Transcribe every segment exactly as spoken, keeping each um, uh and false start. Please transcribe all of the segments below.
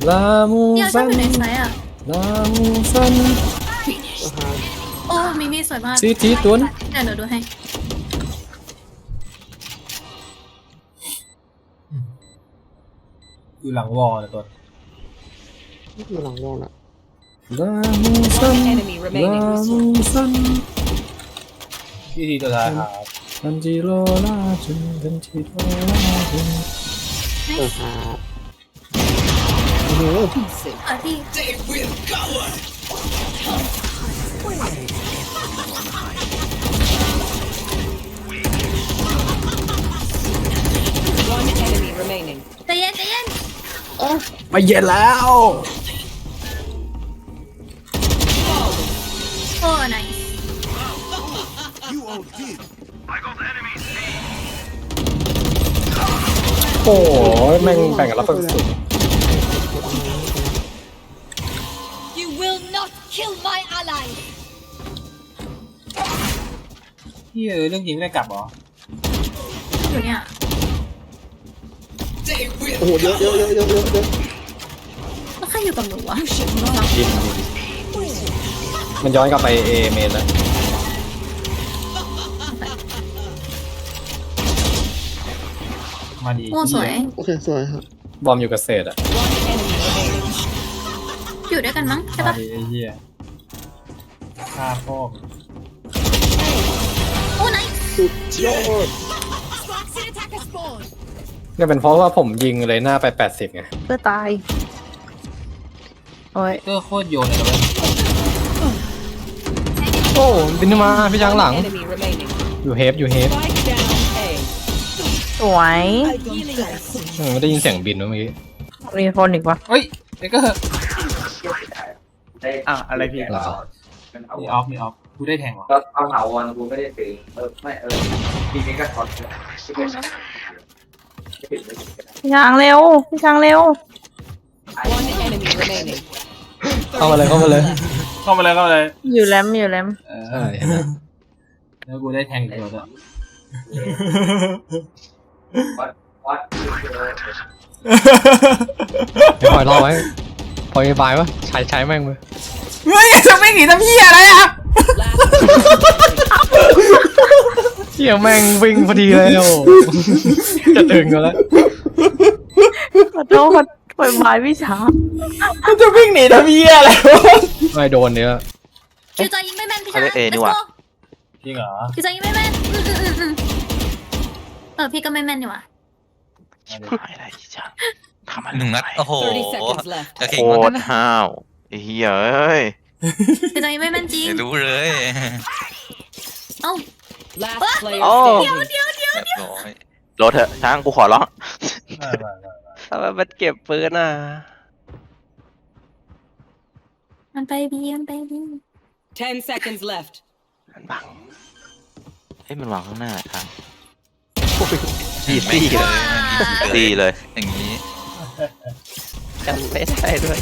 ลามูเดี๋ยวชซัอบนอยู่ในไซส์อ่ะลามูซันโอ้มิมี่สวยมากซีทีตุนเดี๋ยวหนูดูให้อยู่หลังวอลนะตัวอยู่หลังวงอ่ะลามูซัน enemy ลา remaining. มูซันพี่ทีตัวท้ายครับทันจิโรลาจุนทันจิโรลาจุนเออครับโอ้โหเออพี่ One enemy remaining. ใจเย็นใจเย็นไปเย็นแล้วโอ้ไหนโอ้ยแม่งแบ่งกันรับสุด You will not kill my ally. พี่เออเรื่องจริงไม่ได้กลับเหรออยู่เนี่ยโอ้โหเยอะเยอะเยอะเยอะเยอะเยอะแล้วใครอยู่กับหนูวะยิงมันย้อนกลับไปเอเมนแล้วมาดีโอ้สวยโอเคสวยครับบอมอยู่กับเศษอะอยู่ด้วยกันมั้งใช่มาปะดีไอ้เหี้ยฆ่าพ่อโอ้ไหนสุดยอด Toxin attacker spawn. เนี่ยเป็นเพราะว่าผมยิงเลยหน้าไปแปดสิบไงเพื่อตาย โอ้ยเตอร์โคตรโยนเลยนะเว้ยโอ้บินมาพี่ช้างหลัง Enemy remaining. อยู่เฮฟอยู่เฮฟ Spike down A. สวยอืมไม่ได้ยินเสียงบินเมื่อกี้มีคนอีกวะเฮ้ยเด็กก็อ่ะอะไรพี่เหรอมีออฟมีออฟกูได้แทงเหรอก็เอาเหาวันกูไม่ได้ซื้อเออไม่เออทีนี้ก็ถอดพี่ช้างเร็ว พี่ช้างเร็ว One enemy remaining. เข้ามาเลยเข้ามาเลยเข้ามาเลยเข้ามาเลยอยู่แลมอยู่แลมเอใช่อเห็นไหมแล้วกูได้แทงอีกตัวด้วยวัดวัดเดี๋ยวปล่อยรอไว้ปล่อยบายวะใช้ใช้แม่งเลยเฮ้ยจะไม่หนีทำเหี้ยอะไรอ่ะ Last player. เที่ยแม่งวิ่งพอดีเลยโอ้จะดึงกันแล้วขอโทษปล่อยบายพี่ช้างมันจะวิ่งหนีทำเหี้ยอะไรวะไม่โดนเนี้ยคิวจอยยิงไม่แม่นพี่ชายเอนี่ว่ะจริงเหรอคิวจอยยิงไม่แม่นอืมอืมอืมอืมเออพี่ก็ไม่แม่นนี่หว่าอะไรจ้ะทำอะไรหนึ่งนัดโอ้โห thirty seconds left. จะโคเก่งมากตรนะห้าวไอ้เหี้ยเอ้ยคิวจอยยิงไม่แม่นจริงไม่รู้เลยเอ้า Last player โอ้ standing. เดี๋ยวเดี๋ยวเรียบร้อยรถเถอะช้างกูขอร้องไม่ไม่ไม่ทำไมมันเก็บปืนอ่ะมันไปบีมันไปบี Ten seconds left. มันบังเฮ้ยมันวางข้างหน้าทางดีไม่ดีเลยดีเลยอย่างนี้จำไม่ได้ด้วย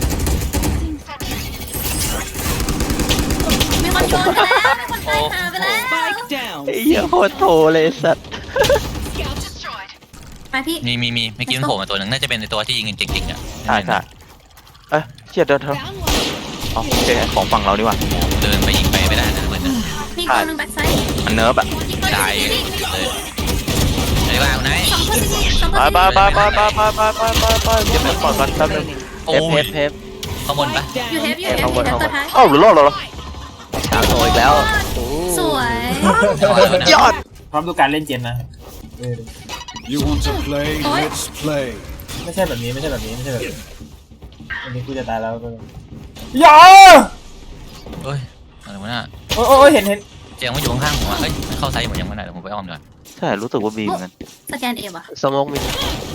มีคนโดนไปแล้วมีคนตายหาไปแล้ว Spike down. ไอ้เหี้ยโคตรโถเลยสัตว์ไปพี่มีมีมีเมื่อกี้มันโผล่มาตัวหนึ่งน่าจะเป็นในตัวที่ยิงเก่งๆอ่ะใช่ใช่เอ้ยเชี่ยเดินเถอะอ๋อโอเคของฝั่งเราดีกว่าเดินไปยิงไปไม่ได้นะเหมือนกันมีคนหนึ่งแบ็คไซด์มันเนิร์ฟอะตายเลยไหนว่าไหนสองคนสิสองคไปนไปไปไปไปไปไปไปไปไปเก็บเงินก่อนก่อนแป๊บนึงโอ้เทปยเทปเทปข้างบนปะ Spike อยู่เฮ down. ฟอยู่เฮฟข้างบนเฮฟข้างบตัวน ท้ายอ้าวหรือรอดเหรอช้างโตอีกแล้วสวยยอดพร้อมดูการเล่นเจนนะเออ You want to play? Oi. Let's play. ไม่ใช่แบบนี้ไม่ใช่แบบนี้ไม่ใช่แบบนี้อันนี้กูจะตายแล้วก็อย่าเฮ้ยอะไรวะน่ะโอ้ยโอ้ยเห็นเห็นเจียงมันอยู่ข้างๆผมอ่ะเฮ้ยมันเข้าไซส์หมดยังไม่ได้เดี๋ยวผมไปอ้อมดีกว่าใช่รู้สึกว่าบีเหมือนกันสแกนเอว่ะสมองมิด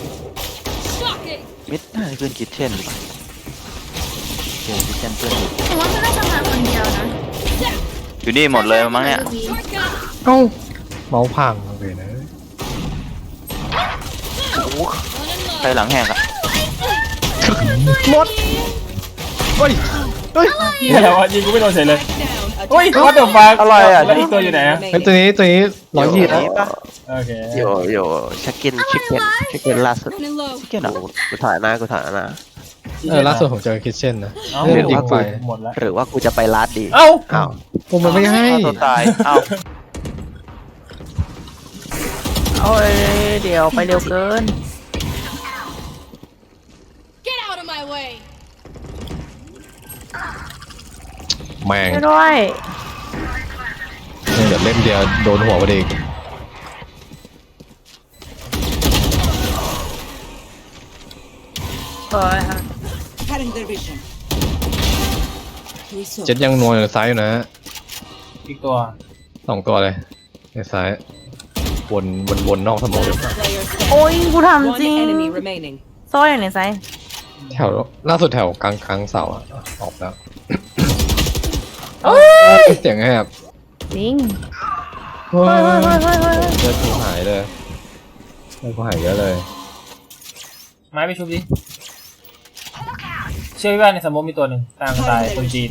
มิดน่าจะเป็นคิทเช่นหรือเปล่าเจอคิทเช่นเพื่อนอยู่ผมว่ามันน่าจะมาคนเดียวนะอยู่นี่หมดเลยมั้งเนี่ยเอ้าเมาส์พังเลยนะโอ้โหใครหลังแหกอะหมดเฮ้ยเฮ้ยเหี้ยแล้ววะยิงกูไม่โดนเฉยเลย Down. โอ้ยวัดเดอะฟักอะไรอะแล้วอีกตัวอยู่ไหนอะเฮ้ยตัวนี้ตัวนี้ร้อยยี่แล้วโอเคโยโย่ชิคเก้นชิคเก้นชิคเก้นล่าสุด Running low. ชิคเก้นเหรอกูถ่ายหน้ากูถ่ายหน้าเออล่าสุดผมเจอคิทเช่นนะเอ้าเล่นดิงไฟหมดแล้วหรือว่ากูจะไปลาดดีเอ้าอ้าวผมมันไม่ให้เอาตัวตายเอ้าโอ้ยเดี๋ยวไปเร็วเกิน Get out of my way. แม่งไม่ด้วยเดี๋ยวเล่มเดียวโดนหัวพอดีเฮ้ย Cutting their vision. เจ็ดยังนัวอยู่ในซ้ายอยู่นะอีกตัวสองตัวเลยในซ้ายวนวนวนนอกสมอง Last player โอ้ standing. ยกูทำจริ One ง enemy remaining. โซ่อย่างในไซส์แถวล่าสุดแถวกลางกลางเสาอะออกแล้วเสียงแหบจริงเฮ้เฮ้ยเฮ้ยเฮ้ยเฮ้ยเฮ้ยเลือดกูหายเลยเลือดกูหายเยอะเลยไม้ไปชุบดิเชื่อว่าในสมมติมีตัวหนึ่งตามตายคนจีน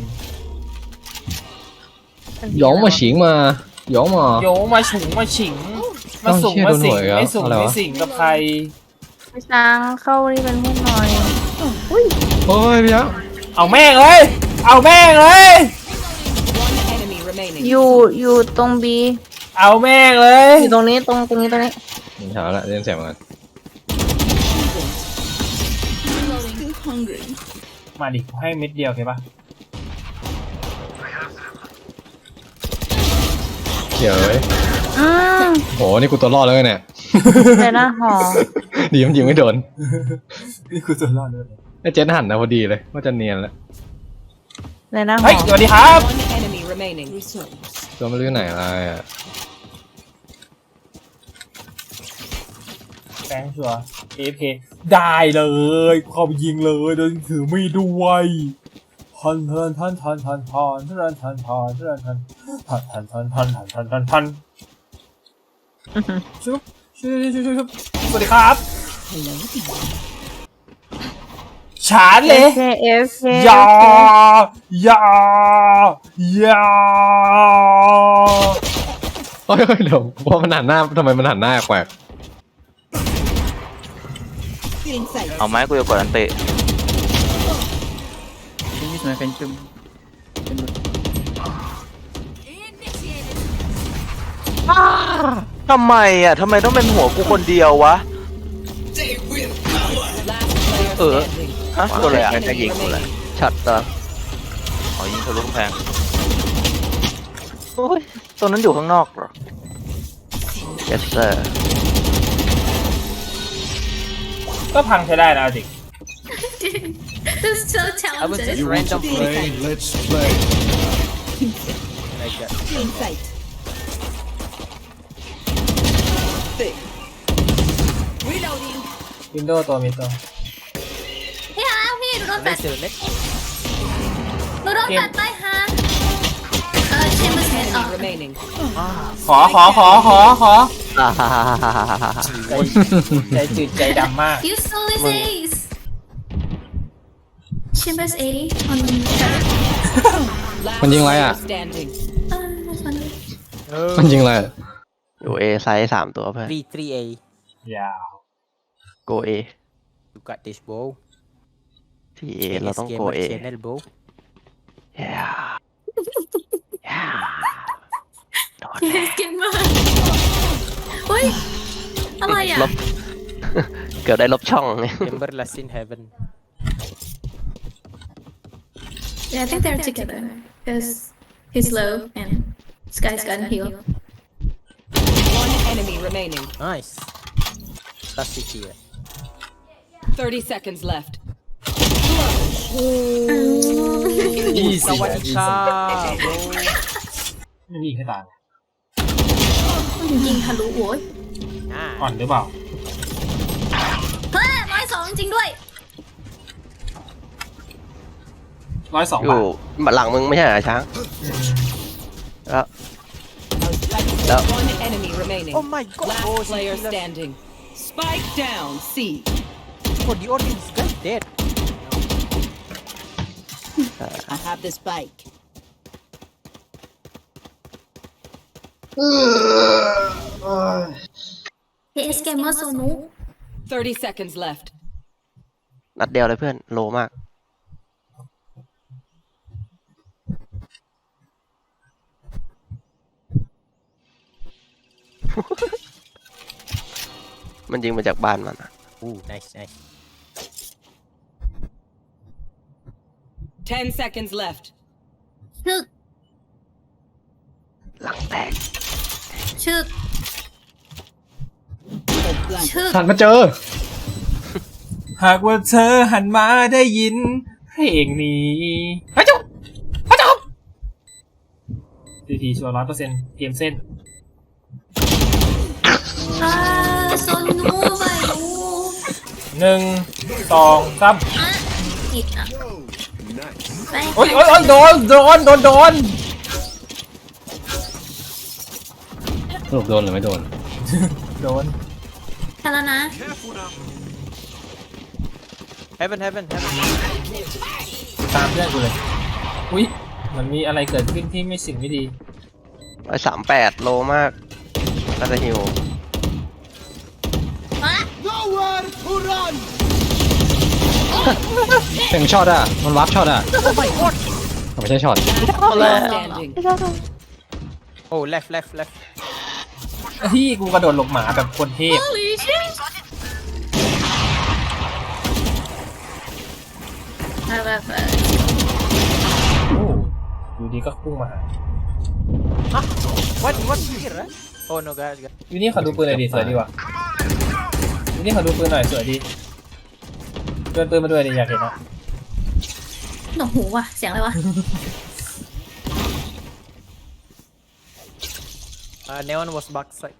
หยองมาฉิงมาหยองมาโยงมาฉุงมาฉิงมาสุ่มเอ้ามาสิงเชี่ยโดนหวยแล้วไม่สุ่มอะไรวะไม่สิงกับใครไปช้างเข้านี่เป็นเพื่อนหน่อยเฮ้ยพี่ยักษ์เอาแม่งเลยเอาแม่งเลย One enemy remaining. อยู่อยู่ตรงบีเอาแม่งเลยอยู่ตรงนี้ตรงตรงนี้ตรงนี้ยิงเช้าละเล่นเสียงเหมือนกันมาดิกูให้เม็ดเดียวโอเคปะเขียวเลยอืมโหนี่กูตัวรอดแล้วเนี่ยแต่หน้าหอดีมันยิงไม่โดนนี่คือตัวรอดเลยไอ้เจ็ดหันนะพอดีเลยว่าจะเนียนแล้วแต่หน้าหเฮ้ยอสวัสดีครับ One enemy remaining. ตัวไม่รู้อยู่ไหนอะไรอ่ะแฟงชัวร์ เอ เอฟ เค ได้เลยเข้าไปยิงเลยโดยถือมีดด้วยทันทันทันทันทันทันทันทันทันทันทันทันทันทันทันทันทันทันทันชุบชุบชุบชุบชุบสวัสดีครับฉานเลยเคเอฟเคยายายาเฮ้ยเดี๋ยวพอมันหันหน้าทำไมมันหันหน้าแปลกเอาไหมกูจะกดอันเตะทำไมอ่ะทำไมต้องเป็นหัวกูคนเดียววะ Last player เออ standing. ฮะตัวอะไรอ่ะ One enemy remaining. ช็อตเหรออ๋อยิงทะลุกำแพงโอ้ยตัวนั้นอยู่ข้างนอกเหรอ yes sir ก็พังใช้ได้นะเอาจริง This is so talented. You want to play? Let's play. Reloading. วินโดว์ตัวมีตัวพี่ฮะพี่ดูโดนแปดดูโดนแปดไปฮะเออเชมเบอร์เซนออก Enemy remaining. ขอขอขอขอขออ่าฮ่าฮ่าฮ่าฮ่าฮ่าฮ่าใจจืดใจดำมาก You stole his ace. Chambers eighty on the Last Mình nhìn lại player à? standing. Uh, that's funny. มันยิงอะไรอยู่ A ไซส์สามตัวเพื่อน V three A. ยาว go A You got this, bro. ที่ A เราต้อง go A channel, bro. yeah yeah โดน Yes, get mine. เฮ้ยอะไรอ่ะลบ เกือบได้ลบช่อง Remember last in heaven. Yeah, I think they're together because he's low and this guy's got a heal. One enemy remaining. Nice. That's it here. Thirty seconds left. easy Sawadika, bro. ไม่มีใครตายยิงทะลุโว้ย Nah. อ่อนหรือเปล่าเฮ้ยร้อยสองจริงด้วยร้อยสองอบายู่ทหลังมึงไม่ใช่เหรอช้างแล้ว แล้ว One enemy remaining. Oh my god. Last bro, player Silas. standing. Spike down. C. Oh, the audience guy dead. I have the spike. He is gamer so noob. Thirty seconds left. นัดเดียวเลยเพื่อนโลมากมันยิงมาจากบ้านมันอะอู้ nice nice Ten seconds left. ชึกหลังแตกชึก Blank. ชึกหันมาเจอหากว่าเธอหันมาได้ยินเพลงนี้พระเจ้าพระเจ้าทีทีชัวร์ร้อยเปอร์เซ็นต์เกมเส้นอ่าโซนูไปดูหนึ่งสองสามอ่ะผิดอ่ะไปโอ้ยโอ้ยโอ้ยโดนโดนโดนโดนสรุปโดนหรือไม่โดนโดนทันแล้วนะ heaven heaven heaven ตามเพื่อนกูเลยอุ้ยมันมีอะไรเกิดขึ้นที่ไม่สิ่งไม่ดีร้อยสามแปดโลมากน่าจะหิวมาเต็งช็อตอ่ะ มันวาร์ปช็อตอ่ะไม่ใช่ช็อต Standing. โอ้ left left left ที่กูกระโดดหลบหมาแบบคนเทพ Holy shit แบบแบบแบบโอ้อยู่ดีก็พุ่งมาหา what what here oh no guys อยู่นี่ขอดูปืนหน่อยดิสวยดีว่ะอยู่นี่ขอดูปืนหน่อยสวยดีเดินปืนมาด้วยดิอยากเห็นอ่ะหนวกหูว่ะ เสียงอะไรวะ uh neon was back side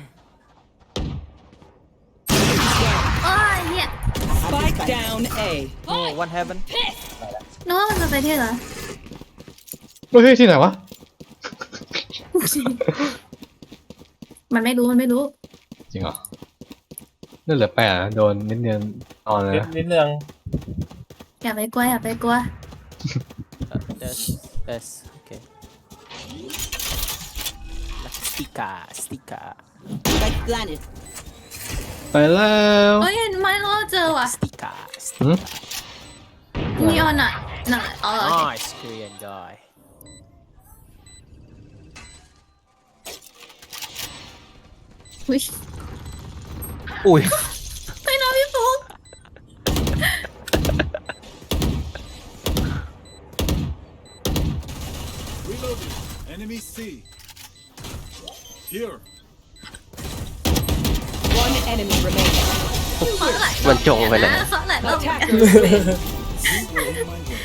โอ้ยเฮีย Spike down A. oh one heaven นึกว่ามันจะไปที่เหรอเฮ้ยที่ไหนวะมันไม่รู้ มันไม่รู้จริงเหรอนั่นเหลือแปดอะโดนนิดเดียวนอนเลยนิดนะนิดนึงอย่าไปกลัว อย่าไปกลัว yes yes okay sticker sticker Spike planted. ไปแล้วโอ้ยเห็นไหมเราเจอว่ะ sticker หืมนีออนอ่ะนั่นแหละอ๋อโอเค nice Korean guy อุ้ยอุ้ยไปนะพี่ฟุ๊ก Reloading. Enemy C. Here. One enemy remaining. เขาหลายรอบมันจงไปเลยนะเขาหลายรอบ Attackers win.